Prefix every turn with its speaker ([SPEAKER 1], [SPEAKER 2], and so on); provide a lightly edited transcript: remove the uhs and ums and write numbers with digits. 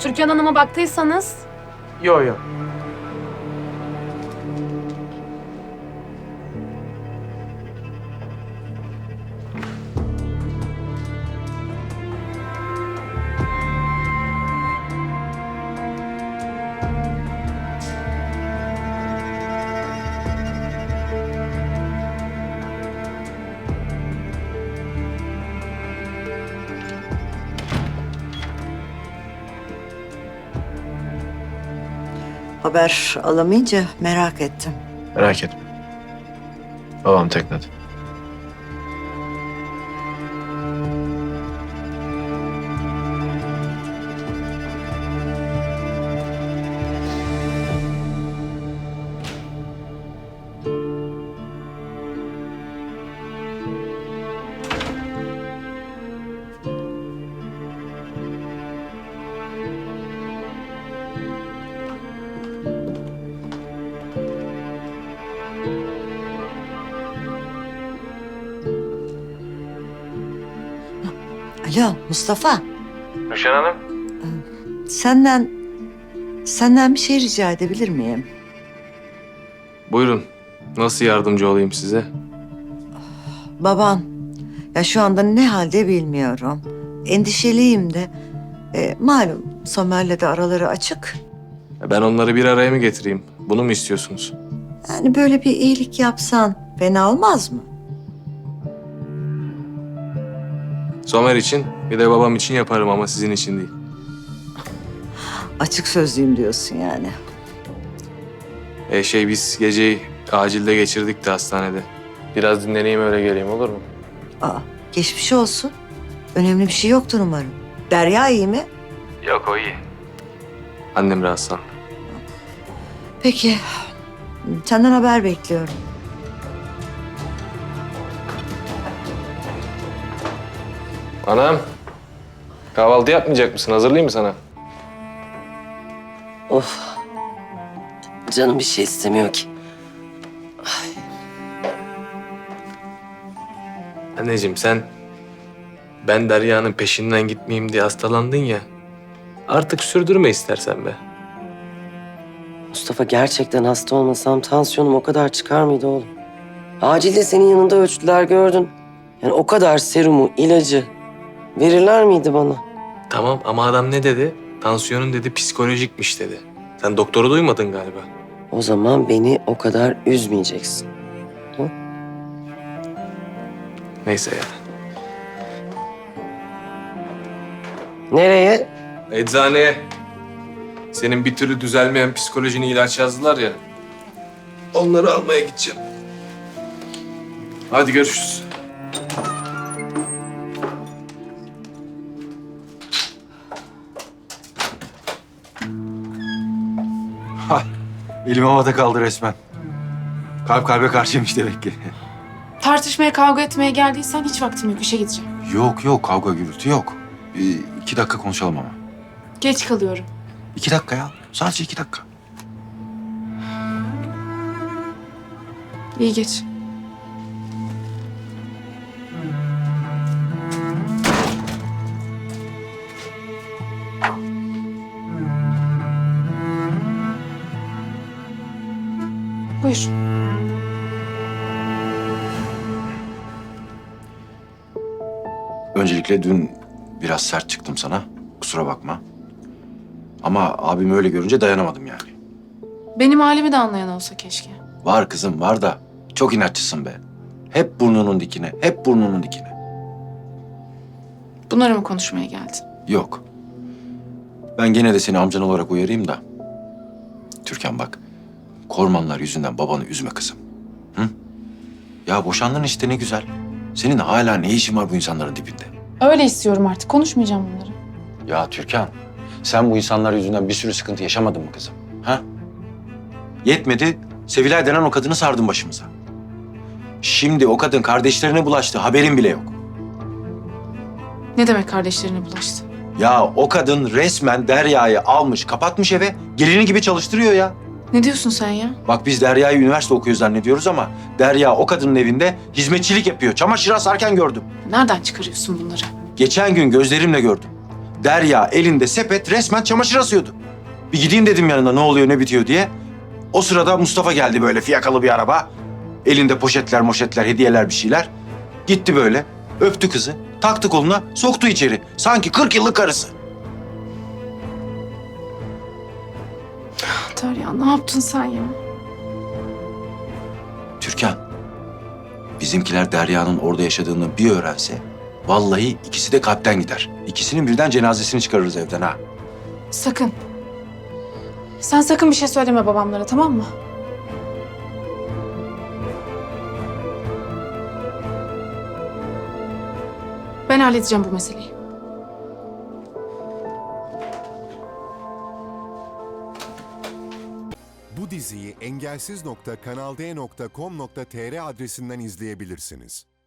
[SPEAKER 1] Türkan Hanım'a baktıysanız...
[SPEAKER 2] Yo yo.
[SPEAKER 3] Haber alamayınca merak ettim.
[SPEAKER 2] Merak etme. Babam teknede.
[SPEAKER 3] Alo Mustafa,
[SPEAKER 2] Rüşen Hanım.
[SPEAKER 3] senden bir şey rica edebilir miyim?
[SPEAKER 2] Buyurun. Nasıl yardımcı olayım size?
[SPEAKER 3] Baban, ya şu anda ne halde bilmiyorum. Endişeliyim de. Malum Somer'le de araları açık.
[SPEAKER 2] Ben onları bir araya mı getireyim? Bunu mu istiyorsunuz?
[SPEAKER 3] Yani böyle bir iyilik yapsan fena olmaz mı?
[SPEAKER 2] Somer için, bir de babam için yaparım ama sizin için değil.
[SPEAKER 3] Açık sözlüyüm diyorsun yani.
[SPEAKER 2] Biz geceyi acilde geçirdik de hastanede. Biraz dinleneyim öyle geleyim, olur mu?
[SPEAKER 3] Aa, geçmiş olsun. Önemli bir şey yoktur umarım. Derya iyi mi?
[SPEAKER 2] Yok, o iyi. Annem rahatsız.
[SPEAKER 3] Peki, senden haber bekliyorum.
[SPEAKER 2] Anam, kahvaltı yapmayacak mısın? Hazırlayayım mı sana?
[SPEAKER 4] Of. Canım bir şey istemiyor ki.
[SPEAKER 2] Anneciğim sen, ben Derya'nın peşinden gitmeyeyim diye hastalandın ya. Artık sürdürme istersen be.
[SPEAKER 4] Mustafa gerçekten hasta olmasam tansiyonum o kadar çıkar mıydı oğlum? Acilde senin yanında ölçtüler gördün. Yani o kadar serumu, ilacı verirler miydi bana?
[SPEAKER 2] Tamam ama adam ne dedi? Tansiyonun dedi psikolojikmiş dedi. Sen doktoru duymadın galiba.
[SPEAKER 4] O zaman beni o kadar üzmeyeceksin.
[SPEAKER 2] Neyse ya.
[SPEAKER 4] Nereye?
[SPEAKER 2] Eczaneye. Senin bir türlü düzelmeyen psikolojini ilaç yazdılar ya. Onları almaya gideceğim. Hadi görüşürüz.
[SPEAKER 5] Elim havada kaldı resmen. Kalp kalbe karşıymış demek ki.
[SPEAKER 1] Tartışmaya, kavga etmeye geldiysen hiç vaktim yok. İşe gideceğim.
[SPEAKER 5] Yok kavga gürültü yok. 2 dakika konuşalım ama.
[SPEAKER 1] Geç kalıyorum.
[SPEAKER 5] 2 dakika ya. Sadece 2 dakika.
[SPEAKER 1] İyi geç. Buyur.
[SPEAKER 5] Öncelikle dün biraz sert çıktım sana. Kusura bakma. Ama abimi öyle görünce dayanamadım yani.
[SPEAKER 1] Benim halimi de anlayan olsa keşke.
[SPEAKER 5] Var kızım var da çok inatçısın be. Hep burnunun dikine, hep burnunun dikine.
[SPEAKER 1] Bunları mı konuşmaya geldin?
[SPEAKER 5] Yok. Ben gene de seni amcan olarak uyarayım da. Türkan bak, Kormanlar yüzünden babanı üzme kızım. Hı? Ya boşandın işte ne güzel. Senin hala ne işin var bu insanların dibinde?
[SPEAKER 1] Öyle istiyorum artık. Konuşmayacağım bunları.
[SPEAKER 5] Ya Türkan, sen bu insanlar yüzünden bir sürü sıkıntı yaşamadın mı kızım? Ha? Yetmedi, Sevilay denen o kadını sardın başımıza. Şimdi o kadın kardeşlerine bulaştı, haberin bile yok.
[SPEAKER 1] Ne demek kardeşlerine bulaştı?
[SPEAKER 5] Ya o kadın resmen Derya'yı almış, kapatmış eve, gelini gibi çalıştırıyor ya.
[SPEAKER 1] Ne diyorsun sen ya?
[SPEAKER 5] Bak biz Derya'yı üniversite okuyor zannediyoruz ama Derya o kadının evinde hizmetçilik yapıyor. Çamaşır asarken gördüm.
[SPEAKER 1] Nereden çıkarıyorsun bunları?
[SPEAKER 5] Geçen gün gözlerimle gördüm. Derya elinde sepet resmen çamaşır asıyordu. Bir gideyim dedim yanına ne oluyor ne bitiyor diye. O sırada Mustafa geldi böyle fiyakalı bir araba. Elinde poşetler moşetler hediyeler bir şeyler. Gitti böyle öptü kızı taktı koluna soktu içeri. Sanki 40 yıllık karısı.
[SPEAKER 1] Derya ne yaptın sen ya?
[SPEAKER 5] Türkan, bizimkiler Derya'nın orada yaşadığını bir öğrense... ...vallahi ikisi de kalpten gider. İkisinin birden cenazesini çıkarırız evden ha.
[SPEAKER 1] Sakın. Sen sakın bir şey söyleme babamlara, tamam mı? Ben halledeceğim bu meseleyi.
[SPEAKER 6] Bu diziyi engelsiz.kanalde.com.tr adresinden izleyebilirsiniz.